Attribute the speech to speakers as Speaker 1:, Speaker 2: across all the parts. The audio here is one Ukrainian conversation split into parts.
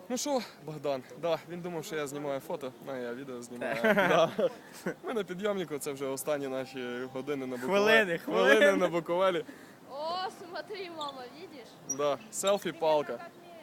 Speaker 1: Ну що, Богдан, да, він думав, що я знімаю фото, а я відео знімаю. Да. Ми на підйомнику, це вже останні наші години на Буковелі. Хвилини на Буковелі.
Speaker 2: О, смотри, мама, видишь?
Speaker 1: Да, селфі-палка.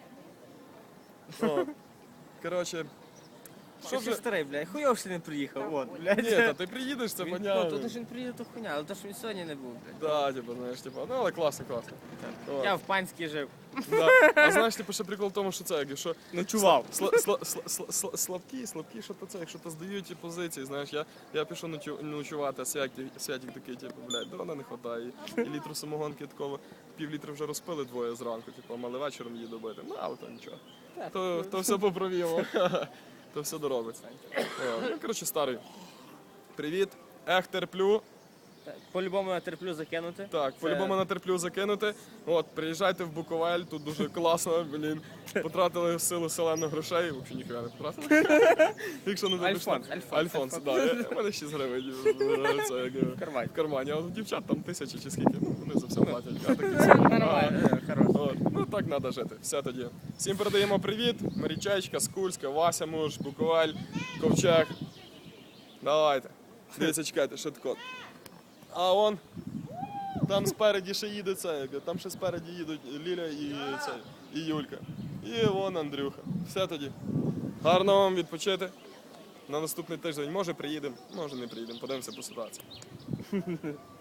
Speaker 1: О. Коротше,
Speaker 3: Що вже старий, блядь, хуйово, що не приїхав, от, блядь.
Speaker 1: ні, та ти приїдеш, це
Speaker 3: Ну,
Speaker 1: понятно.
Speaker 3: то, що він приїде, то хуйня, але то, що він сьогодні не був, блядь.
Speaker 1: Да, типу, знаєш, типу, ну але класно. От.
Speaker 3: Я в Панській жив.
Speaker 1: Да. А знаєш, типу, ще прикол в тому, що це, якщо
Speaker 3: Ночував.
Speaker 1: слабкі, що то це, якщо то здають позиції, знаєш, я пішов ночувати, а Святик такий, типу, блядь, дрона не хватає, і літру самогонки такого, пів-літра вже розпили двоє зранку, типу, а мали вечором її добити, ну, але то нічого, то все поправимо, то все доробиться. Ну, коротше, старий, привіт, терплю.
Speaker 3: По-любому я терплю закинути.
Speaker 1: Так, по-любому натерплю закинути. От, приїжджайте в Буковель, тут дуже класно, блін. Потратили в силу селену грошей, взагалі ніхуя не потратили. Якщо не Альфонс, так. У мене 6 гривень в кармані. А у дівчат там 1000 чи скільки, ну вони за все платять.
Speaker 3: Нормально, хорошо.
Speaker 1: Ну так треба жити, все тоді. Всім передаємо привіт, Марічечка, Скульська, Вася Муж, Буковель, Ковчег. Давайте. Дивіться, чекайте, що таке. А он, там спереді ще їде це, там ще спереді їдуть Ліля і Юлька. І вон Андрюха. Все тоді. Гарно вам відпочити. На наступний тиждень може приїдемо, може не приїдемо, подивимося по ситуації.